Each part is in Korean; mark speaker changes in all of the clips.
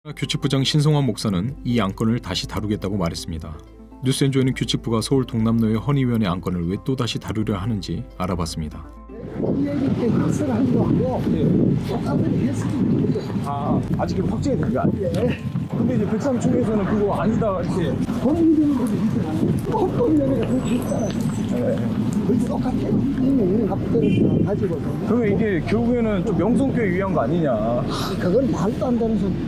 Speaker 1: 규칙부장 신성환 목사는 이 안건을 다시 다루겠다고 말했습니다. 뉴스엔조이는 규칙부가 서울 동남로의 헌의위원회 안건을 왜 또다시 다루려 하는지 알아봤습니다.
Speaker 2: 아직 확정이 된 게 아니에요. 근데 이제 103층에서는 그거 아니다 이렇게
Speaker 3: 본인들은 것도 있잖아요. 헌법위원회가 그렇게 있잖아요. 그렇게 똑같아요. 합법을 가지고.
Speaker 2: 그러면 이게 결국에는 좀 명성교회 위한 거 아니냐.
Speaker 3: 그건 말도 안 되는 소리.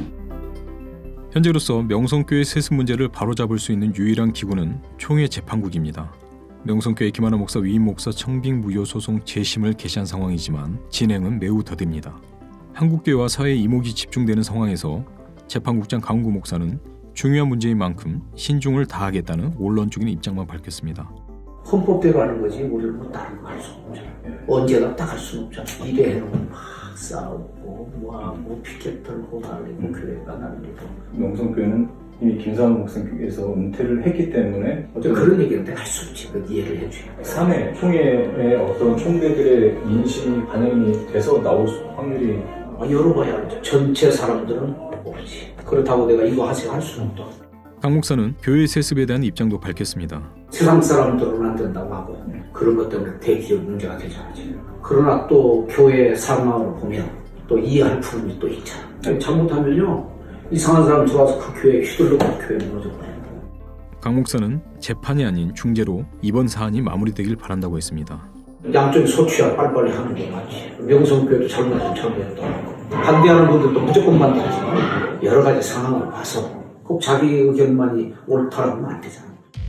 Speaker 1: 현재로서 명성교회 세습 문제를 바로잡을 수 있는 유일한 기구는 총회 재판국입니다. 명성교회 김하나 목사 위임 목사 청빙 무효 소송 재심을 개시한 상황이지만 진행은 매우 더딥니다. 한국교회와 사회의 이목이 집중되는 상황에서 재판국장 강훈구 목사는 중요한 문제인 만큼 신중을 다하겠다는 원론적인 입장만 밝혔습니다.
Speaker 4: 헌법대로 하는 거지 우리는 뭐 다른 거 할 수 없잖아. 언제나 딱 할 수는 없잖아. 이래 해놓으면 막 싸우고 뭐하고 피켓 들고 날리고 교회가 날리고.
Speaker 2: 명성교회는 이미 김상훈 목사님께서 은퇴를 했기 때문에
Speaker 4: 그런 얘기는 내가 할 수 없지. 그 이해를 해줘야 돼.
Speaker 2: 사내 총회의 어떤 총대들의 인식이 반영이 돼서 나올 확률이
Speaker 4: 열어봐야 알죠. 전체 사람들은 모르지. 그렇다고 내가 이거 하세요 할 수는 없다.
Speaker 1: 강 목사는 교회 세습에 대한 입장도 밝혔습니다.
Speaker 4: 세상 사람들은 안 된다고 하고 그런 것 때문에 대기업 문제가 되잖아 지금. 그러나 또 교회 상황을 보면 또 이해할 부분이 또 있잖아. 잘못하면요 이상한 사람 들어와서 그 교회에 휘둘러고 교회 무너져버려요.
Speaker 1: 강 목사는 재판이 아닌 중재로 이번 사안이 마무리되길 바란다고 했습니다.
Speaker 4: 양쪽이 소취야 빨리빨리 하는 게 맞지. 명성교회도 잘못하면 잘못했다고 하고 반대하는 분들도 무조건 반대하지만 여러 가지 상황을 봐서 꼭 자기 의견만이 옳다라고 하면 안 되잖아.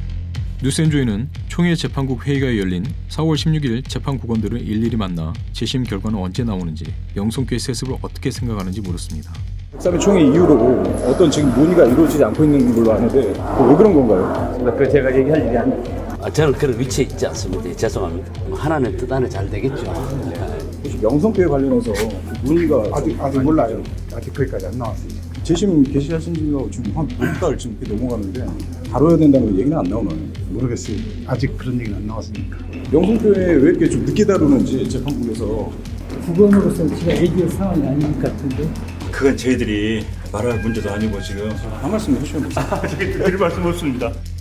Speaker 1: 뉴스엔조이는 총회 재판국 회의가 열린 4월 16일 재판국원들을 일일이 만나 재심 결과는 언제 나오는지 명성교회 세습을 어떻게 생각하는지 물었습니다.
Speaker 2: 103회 총회 이후로 어떤 지금 논의가 이루어지지 않고 있는 걸로 아는데 왜 그런 건가요?
Speaker 5: 그 제가 얘기할 일이 아니에요. 저는 그런 위치에 있지 않습니다. 죄송합니다. 하나는 뜻 안에 잘 되겠죠.
Speaker 2: 혹시 명성교회 관련해서 논의가
Speaker 6: 아직 몰라요. 아직 거기까지 안 나왔습니다.
Speaker 2: 재심 개시하신 지가 지금 한 몇 달 지금 이렇게 넘어가는데 다뤄야 된다는 얘기는 안 나오나요?
Speaker 6: 모르겠어요. 아직 그런 얘기는 안 나왔으니까.
Speaker 2: 명성교회 왜 이렇게 좀 늦게 다루는지 재판국에서
Speaker 3: 국원으로서 제가 얘기할 상황이 아닌 것 같은데.
Speaker 7: 그건 저희들이 말할 문제도 아니고 지금
Speaker 2: 한 말씀 해주시면 됩니다.
Speaker 7: 드릴 말씀 없습니다.